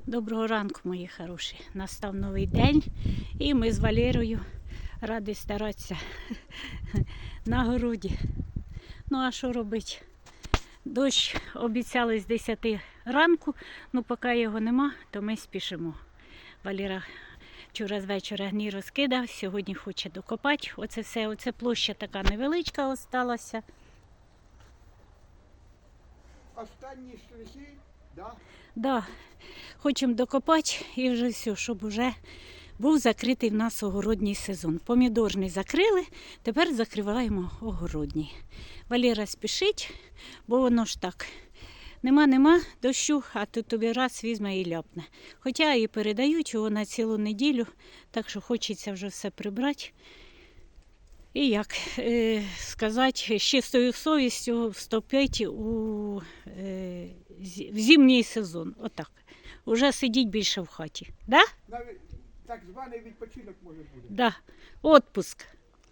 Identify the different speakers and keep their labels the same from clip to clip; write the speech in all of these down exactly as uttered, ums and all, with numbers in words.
Speaker 1: Доброго ранку, мої хороші. Настав новий день і ми з Валерою раді старатися на городі. Ну а що робити? Дощ обіцяли з десяти ранку, ну поки його нема, то ми спішимо. Валера вчора з вечора гній розкидав, сьогодні хоче докопати. Оце все, оце площа така невеличка осталася.
Speaker 2: Останні штрихи, да?
Speaker 1: Да, хочемо докопати і вже все, щоб вже був закритий в нас огородній сезон. Помідорний закрили, тепер закриваємо огородній. Валера спішить, бо воно ж так. Нема-нема дощу, а тут тобі раз візьме і ляпне. Хоча і передають його на цілу неділю, так що хочеться вже все прибрати. І як е, сказати, з чистою совістю вступити у е, в зимній сезон. Отак. Уже сидіть більше в хаті. Да?
Speaker 2: Навіть так званий відпочинок може бути.
Speaker 1: Да. Отпуск.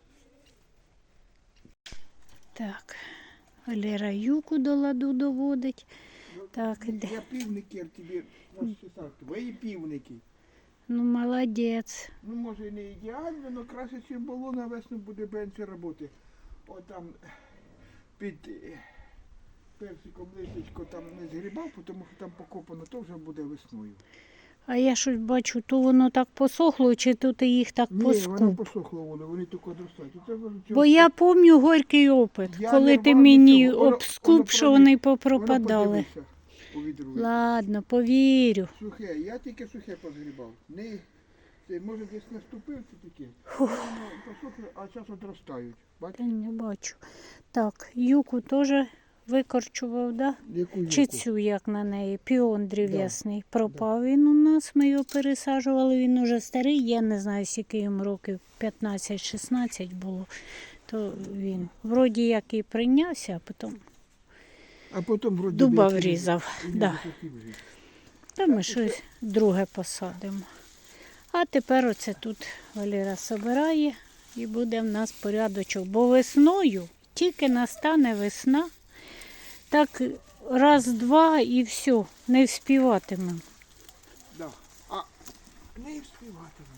Speaker 1: Так. Валера юку до ладу доводить.
Speaker 2: Ну,
Speaker 1: Так, іде.
Speaker 2: Я півників тобі розчесав. Твої півники.
Speaker 1: Ну, молодець.
Speaker 2: Ну, може, не ідеально, але краще, ніж було, на весну буде менше роботи. От там під е, персиком листечко там не згрібав, тому що там покопано, то вже буде весною.
Speaker 1: А я щось бачу, то воно так посохло, чи то ти їх так
Speaker 2: Ні, воно
Speaker 1: поскуп.
Speaker 2: посохло, воно, вони тільки одростають. Оце воно
Speaker 1: Бо
Speaker 2: цього-
Speaker 1: я пам'ятаю горький опит,
Speaker 2: Я
Speaker 1: коли
Speaker 2: не
Speaker 1: ти
Speaker 2: рвав
Speaker 1: мені
Speaker 2: нічого, воно-
Speaker 1: обскуп,
Speaker 2: воно
Speaker 1: що
Speaker 2: прові-
Speaker 1: вони
Speaker 2: воно
Speaker 1: попропадали.
Speaker 2: подивися у відру.
Speaker 1: Ладно, повірю.
Speaker 2: Сухе, я тільки сухе позгрібав. Не, це, може десь наступив це таке. Ну, посохли, а зараз одростають.
Speaker 1: Та
Speaker 2: Бачиш?
Speaker 1: не бачу. Так, юку теж викорчував, да?
Speaker 2: Яку
Speaker 1: Чи
Speaker 2: юку?
Speaker 1: цю, як на неї, піон древ'ясний. Пропав він у нас, ми його пересаджували, він уже старий, я не знаю, скільки йому років, п'ятнадцять-шістнадцять було. То він вроді як і прийнявся, а потім
Speaker 2: А потім вроді
Speaker 1: дуба
Speaker 2: би,
Speaker 1: врізав.
Speaker 2: і він
Speaker 1: Да.
Speaker 2: сухий вже.
Speaker 1: Та ми щось друге посадимо. А тепер оце тут Валера собирає і буде в нас порядочок. Бо весною, тільки настане весна, так раз-два і все, не вспіватимемо.
Speaker 2: Да. А не встигатиме.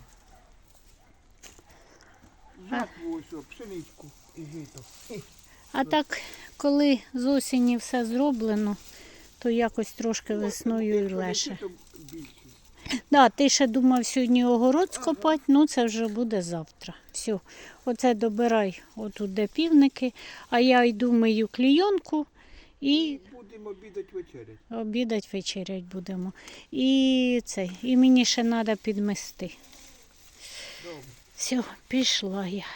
Speaker 2: Жатву ось, о, пшеничку і жито.
Speaker 1: А так, коли з осені все зроблено, то якось трошки весною і
Speaker 2: Якщо не
Speaker 1: легше.
Speaker 2: жито, більше.
Speaker 1: Да, ти ще думав сьогодні огород скопати, ну це вже буде завтра. Все, оце добирай отут де півники, а я йду мию клійонку і
Speaker 2: Будемо обідати вечерять.
Speaker 1: обідать, вечерять будемо. І це, і мені ще треба підмести.
Speaker 2: Добре.
Speaker 1: Все, пішла я.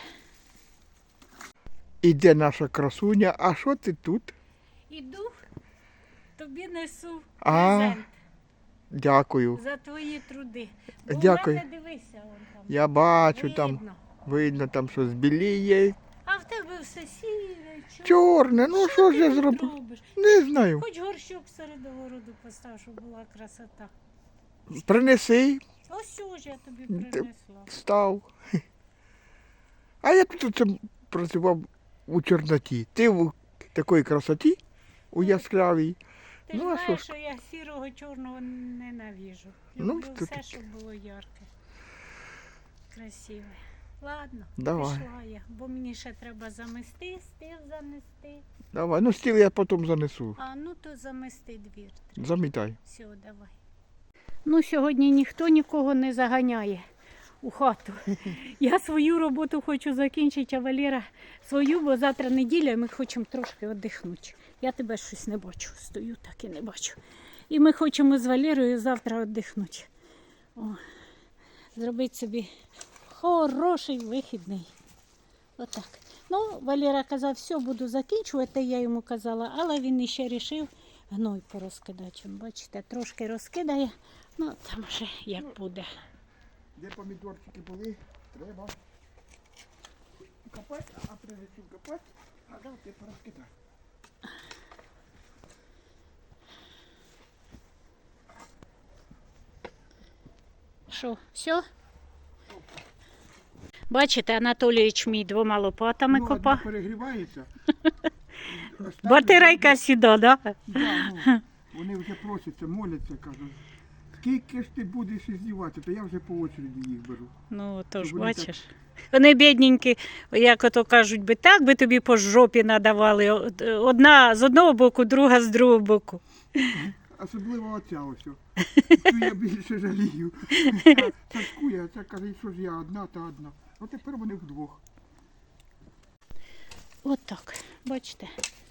Speaker 2: Іде наша красуня, а що ти тут?
Speaker 1: Іду, тобі несу
Speaker 2: А,
Speaker 1: презент
Speaker 2: Дякую.
Speaker 1: за твої труди. Бо
Speaker 2: Дякую.
Speaker 1: в мене, дивися, вон там.
Speaker 2: Я бачу, там
Speaker 1: Видно.
Speaker 2: видно, там щось біліє.
Speaker 1: А в тебе все сіре, чорне.
Speaker 2: Чорне, ну що ж я
Speaker 1: ти тут
Speaker 2: зробив?
Speaker 1: робиш?
Speaker 2: Не знаю.
Speaker 1: Хоч горщок серед огороду постав, щоб була красота.
Speaker 2: Принеси,
Speaker 1: Ось уже я тобі
Speaker 2: Ти-
Speaker 1: принесла.
Speaker 2: став. А я тут оце працював у Чорноті. Ти в такій красоті, у яскравій.
Speaker 1: Ти
Speaker 2: Ну,
Speaker 1: ж
Speaker 2: а що
Speaker 1: знаєш,
Speaker 2: ж?
Speaker 1: що я сірого чорного ненавіжу.
Speaker 2: Ну,
Speaker 1: Люблю
Speaker 2: то
Speaker 1: все,
Speaker 2: таке.
Speaker 1: щоб було ярке. Красиве. Ладно,
Speaker 2: Давай.
Speaker 1: пішла я, бо мені ще треба замести, стіл занести.
Speaker 2: Давай, ну стіл я потім занесу.
Speaker 1: А ну то замести двір. треба.
Speaker 2: Замітай.
Speaker 1: Все, давай. Ну, сьогодні ніхто нікого не заганяє у хату. Я свою роботу хочу закінчити, а Валера свою, бо завтра неділя, і ми хочемо трошки віддихнути. Я тебе щось не бачу, стою так і не бачу. І ми хочемо з Валерою завтра віддихнути. О, зробити собі хороший вихідний. Отак. Ну, Валера казав, все, буду закінчувати, я йому казала, але він іще вирішив гной порозкидати. Він, бачите, трошки розкидає, ну там вже як буде.
Speaker 2: Де помідорчики були, треба копати, а прежде чим копати, треба ти порозкидати.
Speaker 1: Що, все? Бачите, Анатолійович мій двома лопатами
Speaker 2: Ну, одна
Speaker 1: копав.
Speaker 2: перегрівається.
Speaker 1: Батарейка сіда, да?
Speaker 2: Да, ну, вони вже просяться, моляться, кажуть. Скільки ж ти будеш здівати, то я вже по очереді їх беру.
Speaker 1: Ну, то ж
Speaker 2: Щоб вони
Speaker 1: бачиш. Вони бідненькі, як ото кажуть, би так би тобі по жопі надавали. Одна з одного боку, друга з другого боку.
Speaker 2: Особливо оця ось. о. Цю я більше жалію. Ця Сашкує, а ця каже, що ж я одна та одна. От тепер вони вдвох.
Speaker 1: От так, бачите.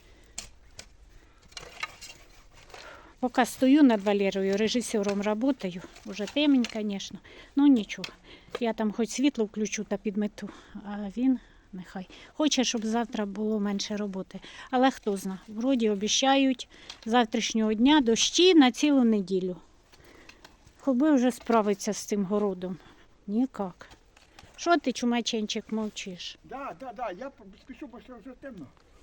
Speaker 1: Поки стою над Валерою, режисером працюю, вже темень, звісно, ну нічого. Я там хоч світло включу та підмету, а він нехай. Хоче, щоб завтра було менше роботи. Але хто зна, вроді обіцяють з завтрашнього дня дощі на цілу неділю. Хоби вже справиться з цим городом. Нікак. Що ти, чумаченчик, мовчиш?
Speaker 2: Да, да, да, я спішу, бо ще вже темно.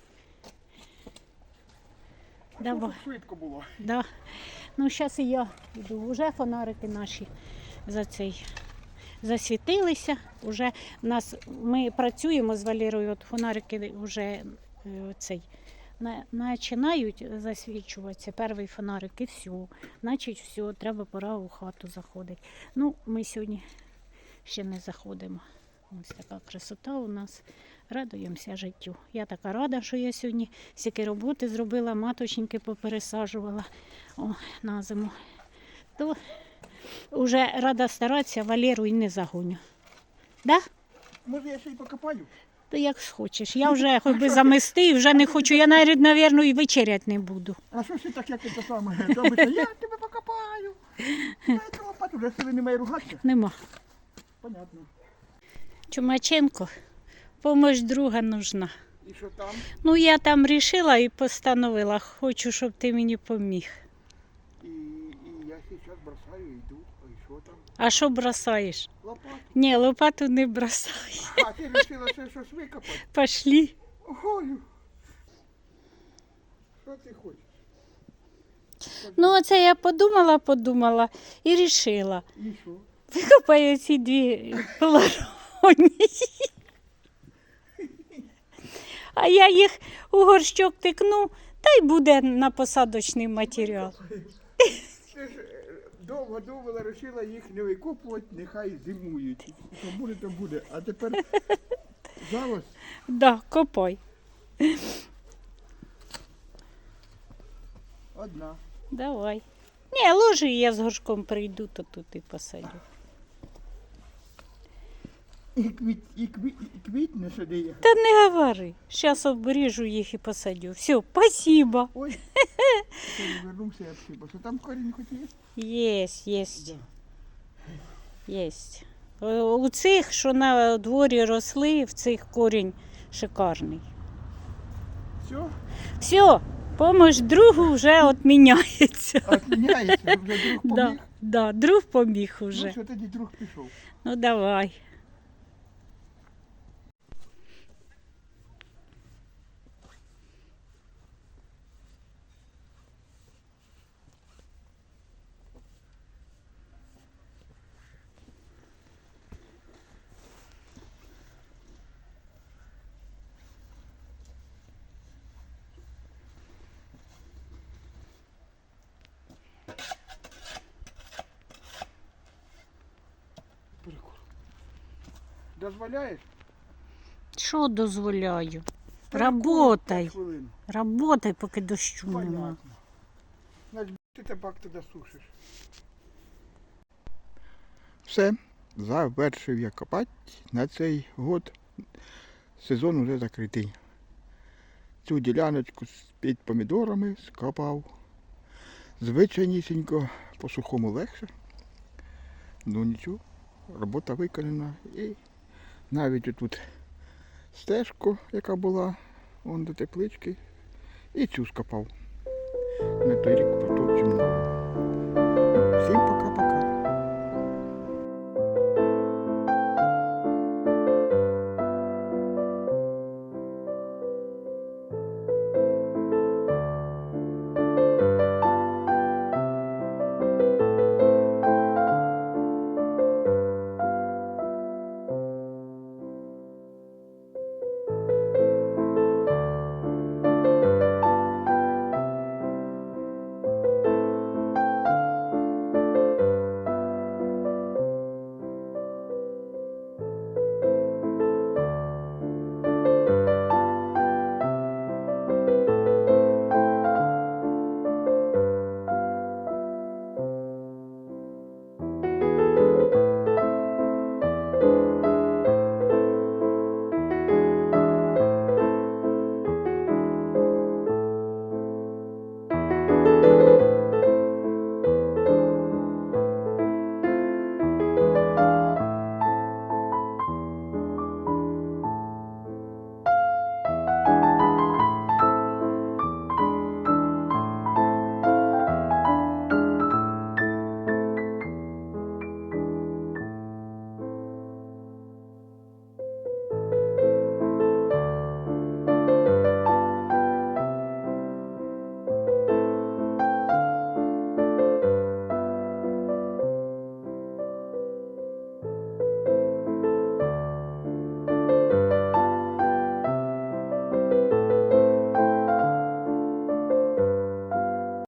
Speaker 2: А
Speaker 1: Давай.
Speaker 2: що тут швидко було.
Speaker 1: Да. Ну, зараз і я йду. Уже фонарики наші за цей засвітилися. Уже в нас, ми працюємо з Валерою, от фонарики вже е, цей, на, починають засвічуватися, перший фонарик і все. Значить, все, треба пора у хату заходити. Ну, ми сьогодні ще не заходимо. Ось така красота у нас. Радуємося життю. Я така рада, що я сьогодні стільки роботи зробила, маточники попересаджувала о, на зиму. То вже рада старатися, Валеру і не загоню. Да?
Speaker 2: Може я ще й покопаю?
Speaker 1: То як схочеш. Я вже хоч би замести, вже не хочу. Я навіть, мабуть, і вечеряти не буду.
Speaker 2: А що ж ти так, як це саме? Робиться, я тебе покопаю. Я це лопату, вже сили немає ругатися.
Speaker 1: Нема.
Speaker 2: Понятно.
Speaker 1: Чумаченко, помощь друга нужна.
Speaker 2: І що там?
Speaker 1: Ну, я там вирішила і постановила. Хочу, щоб ти мені поміг.
Speaker 2: І, і я зараз бросаю і йду. А і що там?
Speaker 1: А що бросаєш?
Speaker 2: Лопату.
Speaker 1: Ні, лопату не бросай.
Speaker 2: А ти вирішила ще щось викопати?
Speaker 1: Пошли.
Speaker 2: Голю. Що ти хочеш?
Speaker 1: Ну, оце я подумала, подумала і вирішила.
Speaker 2: І що?
Speaker 1: Викопаю ці дві полароні. А я їх у горщок тикну, та й буде на посадочний матеріал.
Speaker 2: Ти ж е, довго думала, вирішила їх не викопувати, нехай зимують. Що буде, то буде. А тепер зараз
Speaker 1: Да, копай.
Speaker 2: одна.
Speaker 1: Давай. Ні, ложи, я з горшком прийду, то тут і посадю.
Speaker 2: І, квіт, і, квіт, і квітне сюди їх.
Speaker 1: Та не говори. Зараз обріжу їх і посадю. Все, спасибо.
Speaker 2: Ой, вернувся я всі, що там корінь хоч є?
Speaker 1: Єсть, єсть. Єсть. Е, У цих, що на дворі росли, в цих корінь шикарний.
Speaker 2: Все,
Speaker 1: Все, помощь другу вже відміняється.
Speaker 2: відміняється, вже друг
Speaker 1: Да,
Speaker 2: поміг.
Speaker 1: да, друг поміг
Speaker 2: Ну
Speaker 1: уже.
Speaker 2: що тоді друг пішов?
Speaker 1: Ну давай.
Speaker 2: Прикол. Дозволяєш?
Speaker 1: Що дозволяю?
Speaker 2: Прикол,
Speaker 1: Работай.
Speaker 2: п'ять хвилин.
Speaker 1: Работай, поки дощу нема.
Speaker 2: Понятно. Значить, ти табак туди сушиш. Все, завершив я копати. На цей год сезон вже закритий. Цю діляночку під помідорами скопав. Звичайнісінько, по сухому легше. Ну нічого, робота виконана. І навіть отут стежку, яка була, вон до теплички, і цю скопав. На той рік